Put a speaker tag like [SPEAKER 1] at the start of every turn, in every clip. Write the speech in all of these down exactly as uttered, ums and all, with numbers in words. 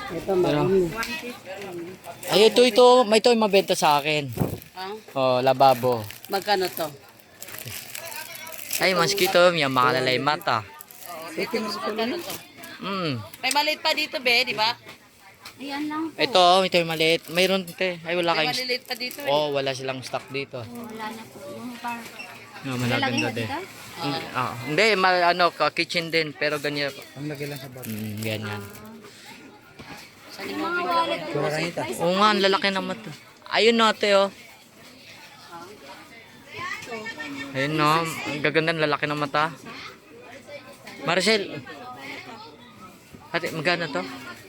[SPEAKER 1] Ito,
[SPEAKER 2] Pero,
[SPEAKER 1] marami.
[SPEAKER 2] ay, ito, ito. May ito yung mabenta sa akin.
[SPEAKER 1] Ah,
[SPEAKER 2] Oh, lababo.
[SPEAKER 1] magkano to?
[SPEAKER 2] Ay, mosquito. Yung makalalay mata.
[SPEAKER 1] Magkano to?
[SPEAKER 2] Hmm.
[SPEAKER 1] May maliit pa dito, be, di ba?
[SPEAKER 3] Ayan lang po.
[SPEAKER 2] Ito, ito yung maliit. Mayroon, te. Ay, wala
[SPEAKER 1] May
[SPEAKER 2] kayong...
[SPEAKER 1] maliliit pa dito, eh.
[SPEAKER 2] Oh, wala silang stock dito.
[SPEAKER 3] Wala na po. Yung parang
[SPEAKER 2] No,
[SPEAKER 3] lalagay
[SPEAKER 2] malaganda
[SPEAKER 3] na
[SPEAKER 2] din.
[SPEAKER 3] dito.
[SPEAKER 2] Hindi, ah, hindi ma, ano, ka kitchen din, pero ganyan.
[SPEAKER 4] Ang laki lang sa bag.
[SPEAKER 2] Mm, ganyan.
[SPEAKER 1] Saan
[SPEAKER 3] Yung
[SPEAKER 1] yung
[SPEAKER 3] mga
[SPEAKER 1] mga
[SPEAKER 3] wallet po.
[SPEAKER 4] Kuranita.
[SPEAKER 2] Oo nga, ang lalaki naman to. Ayun no, ate, oh. Ayun no, ang gaganda, ang lalaki ng mata. Maricel. Ate, magkano to?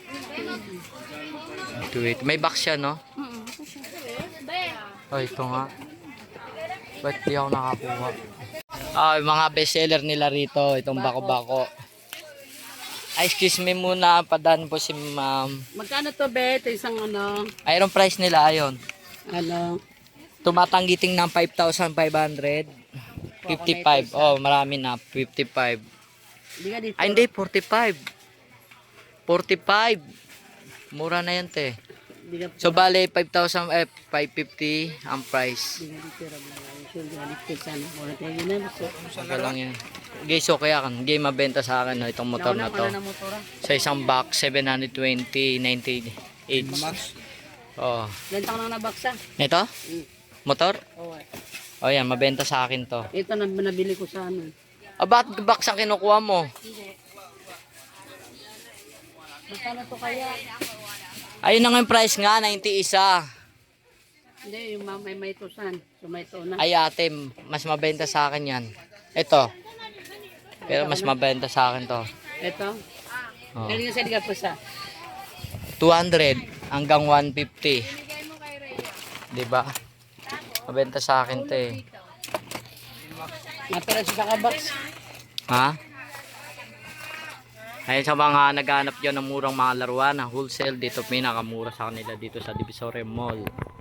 [SPEAKER 2] Wait, may box siya, no?
[SPEAKER 3] Mm-mm.
[SPEAKER 2] Oh, ito nga. Ba't di ako nakakuha? Ah, yung mga bestseller nila rito, itong bako-bako. Ay, excuse me muna, padaan po si ma'am.
[SPEAKER 1] Magkano to, be? Ito isang ano,
[SPEAKER 2] Ayun price nila, ayon.
[SPEAKER 1] ano,
[SPEAKER 2] Tumatanggiting ng five thousand five hundred. fifty-five. Oh, marami na. fifty-five.
[SPEAKER 1] hindi ka dito.
[SPEAKER 2] Ay, hindi. forty-five. forty-five. Mura na yan, te.
[SPEAKER 1] Hindi ka,
[SPEAKER 2] So, bale, five thousand, eh, five fifty ang price.
[SPEAKER 1] hindi ka dito. Sure, hindi ka dito. Sana. Wala tayo yun na. So,
[SPEAKER 2] Okay lang yan. Guys, so kaya kan, hindi mabenta sa akin no, itong motor na to.
[SPEAKER 1] Nauna na motora.
[SPEAKER 2] Sa isang box, seven twenty, ninety-eight.
[SPEAKER 4] Max.
[SPEAKER 2] Oh.
[SPEAKER 1] Ilan taon na nabaksa?
[SPEAKER 2] Ito?
[SPEAKER 1] Mm.
[SPEAKER 2] Motor?
[SPEAKER 1] Oo. eh.
[SPEAKER 2] Oh, yan, mabenta sa akin to.
[SPEAKER 1] Ito na nabili ko sa ano.
[SPEAKER 2] Ah, bakit box ang kinukuha mo?
[SPEAKER 1] Magkano to kaya?
[SPEAKER 2] Ayun na nga yung price nga, ninety isa.
[SPEAKER 1] Hindi, yung ma- may may tusan. So may to na.
[SPEAKER 2] Ay ate, mas mabenta sa akin yan. Ito. Pero mas mabenta sa akin to.
[SPEAKER 1] Ito.
[SPEAKER 2] Oh.
[SPEAKER 1] Galing na sa liga po sa.
[SPEAKER 2] two hundred hanggang one fifty. Diba? Mabenta sa akin to eh.
[SPEAKER 1] Matira sa kakabox.
[SPEAKER 2] Ha? Ayun sa mga naghanap dyan ng murang mga laruan, na wholesale, dito pinakamura sa kanila dito sa Divisoria Mall.